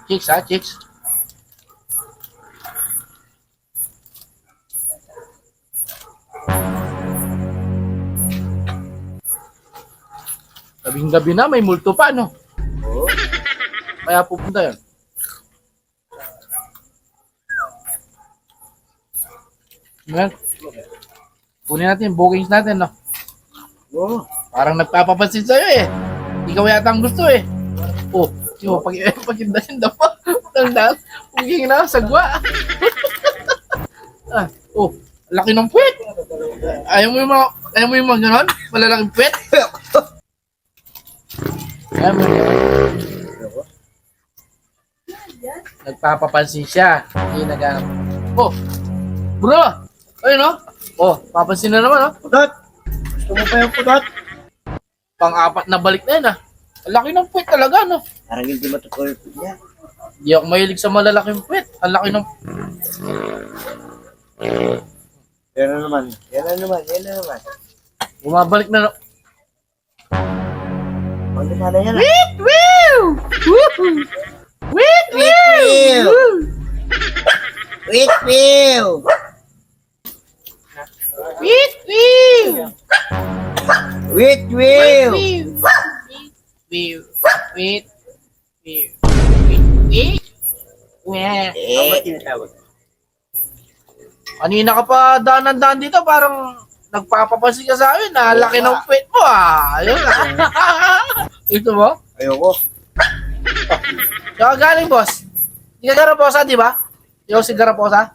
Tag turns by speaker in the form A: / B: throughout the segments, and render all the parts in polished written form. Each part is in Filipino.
A: Chicks ha, chicks. Gabing-gabi na, may multo pa, no?
B: Oo.
A: Kaya pupunta yun. Ngayon, kunin natin yung bookings natin, no?
B: Oo.
A: Parang nagpapapansin sa'yo, eh. Ikaw yata ang gusto, eh. Oh, yung pag-indahin daw pa. Tandaan, puging na, sagwa. Oh, laki ng puwet. Ayaw mo yung mga ganon? Malalaking puwet? Ayaw mo yung nagpapapansin siya. Hindi nag-ano. Oh, bro! Ayun, no? Oh, papansin na naman, no?
B: Pudot! Gusto mo pa yung pudot?
A: Pang-apat na balik na yun, ah. Ang laki ng puwet talaga, no?
B: Parang hindi matutuloy niya.
A: Hindi ako mahilig sa malalaking puwet. Ang laki ng...
B: Yan na naman. Yan na naman. Yan na naman.
A: Bumabalik na, no?
B: Ano na yan?
A: Wait, woo! Woo! Wait,
B: woo! Wait, Will!
A: Wait, woo!
B: Wait, Will!
A: Wait, wait, wait, wait, wait.
B: Ano ba tinatawag?
A: Kanina ka pa daan dito, parang nagpapapansin ka sa akin. Laki ng puwet mo, ah. Ayun. Ito mo?
B: Ayoko.
A: Saka galing, boss. Hindi ka Garaposa, di ba? Ikaw si Garaposa?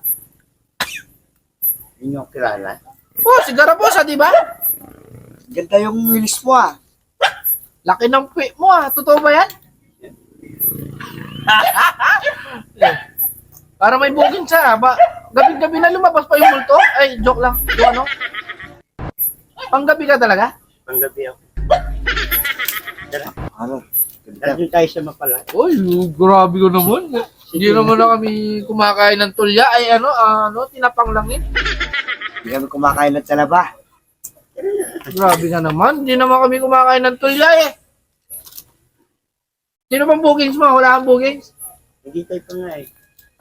B: Yun yung kilala.
A: Oh, si Garaposa, di ba?
B: Ganda yung wilis mo ah.
A: Laki ng puwet mo, ah. Totoo ba yan? Para may booking siya. Gabi-gabi na lumabas pa yung multo. Ay, joke lang. Yung ano? Panggabi ka talaga?
B: Panggabi ako. Tara. Ano? Tara din tayo sa mapala.
A: Uy, grabe ko naman. Hindi naman na kami kumakain ng tulya. Ay, tinapang lang yun.
B: Hindi kami kumakain ng talaba.
A: Grabe ka naman. Hindi naman kami kumakain ng tulya eh. Sino bang bookings mo? Wala kang bookings?
B: Hindi tayo pa nga eh.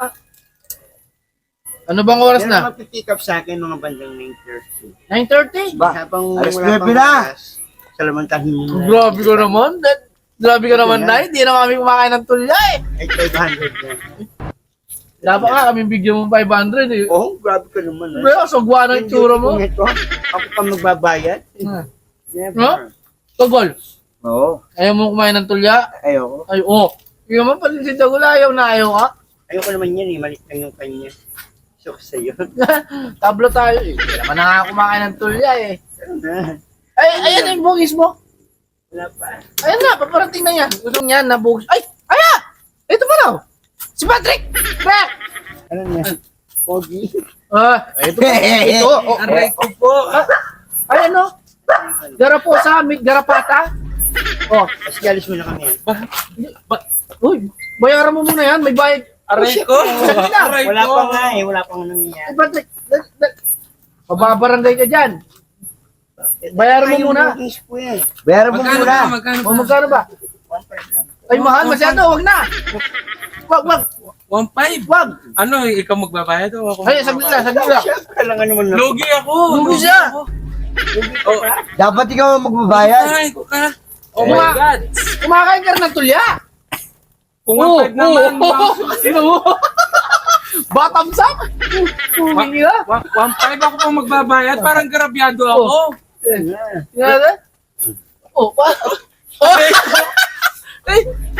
A: Ano bang oras
B: Pero
A: na?
B: magpipick up sa akin mga bandang 9:30.
A: 9:30?
B: Ba?
C: Habang
B: Alas
C: wala
B: 9
C: pang
B: na.
C: oras, Salamantahin mo na.
A: Grabe ka naman. Grabe ka naman, Nay. Hindi naman kami kumakain ng tulya eh.
B: Ay, 500 na.
A: Dapat nga kami bigyan mo 500 eh.
B: Oh, grabe ka naman.
A: Bro, sagwa ng itsura mo.
B: Ito, ako pa magbabayad.
A: No? Togol.
B: Oo.
A: Ayaw mo kumain ng tulya?
B: Ayoko.
A: Ay, oh. Hindi naman pala si Tagol. Ayaw na ayaw ka.
B: Ayoko naman yan eh. Malit lang yung kanya. So, sa'yo.
A: Tablo tayo eh. Hindi naman na nga kumakain ng tulya eh.
B: Ano na?
A: Ay, ayan na yung bugis mo.
B: Wala pa.
A: Ayan na, paparating na yan. Gusto niya na bugis. Ay, ayan! Ito pa daw. Si Patrick! Crack!
B: Ano niya? Pogi.
A: Ito pa. Ito. Oh,
C: Aray ko po.
A: ay, ano? Garaposa, meet Garapata. Oh,
B: Kasi alis mo na kami.
A: uy, bayaran mo muna yan. May bayad.
C: Aray ko. Aray
B: Wala
C: ko.
B: pa nga eh. Wala pa nga nangyayari.
A: Ay, Patrick. Pababarangay ka dyan. Bayaran mo muna.
B: Bayaran mo
C: Magkano
B: muna.
C: ba? Magkano
A: O,
C: ba?
A: magkano ba? Ay, mahal masyado. Wag na. Wag.
C: 1.5.
A: Wag.
C: Ano, ikaw magbabayad o ako?
A: Ay, saglit lang.
B: Siyempre lang naman na.
C: Lugi ako.
A: Lugi siya.
C: ako. Oh,
B: Dapat ikaw ang magbabayad.
C: ay, ko ka. Oh
A: Mga-
C: my God.
A: Kumakain ka rin ng tulya.
C: Kung 1.5 naman.
A: Sino mo? Bottoms up. Humingi na.
C: 1.5 ako pang magbabayad. Parang garabyado ako.
A: Tingnan na. Oh,
C: Ay,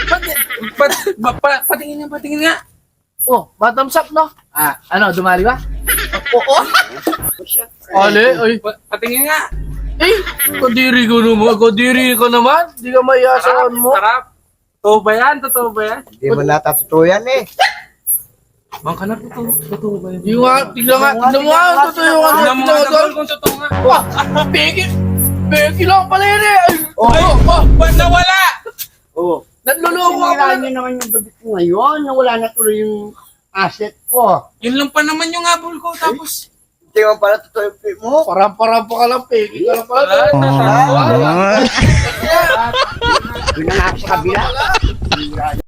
C: patingin nga.
A: Oh, bottoms up, no? Ano, dumali ba? Oo. Ale, ay.
C: Patingin nga.
A: Kadiri ko naman. Di ka maiasahan mo.
C: Sarap. Totoo ba yan? Totoo ba yan?
B: Hindi mo natatuto yan eh.
C: Mang ka na, totoo ba yan?
A: Yung nga, tignan mo nga, totoo yung ano,
C: Tignan mo
A: tignan
C: nga,
A: mo doon.
C: kung totoo nga.
A: Peki lang pala yun eh.
C: Ay, ba't nawala?
B: Oo.
A: Nanluloko ka pala.
B: Siniraan niyo naman yung gabi ko ngayon. Nawala na tuloy yung asset ko.
C: Yun lang pa naman yung habol ko. Tapos,
B: Hindi mo pala totoo yung pay mo.
A: Param ka lang, peki ka lang pala.
C: wala.
B: Yun na nga ako sa kabila.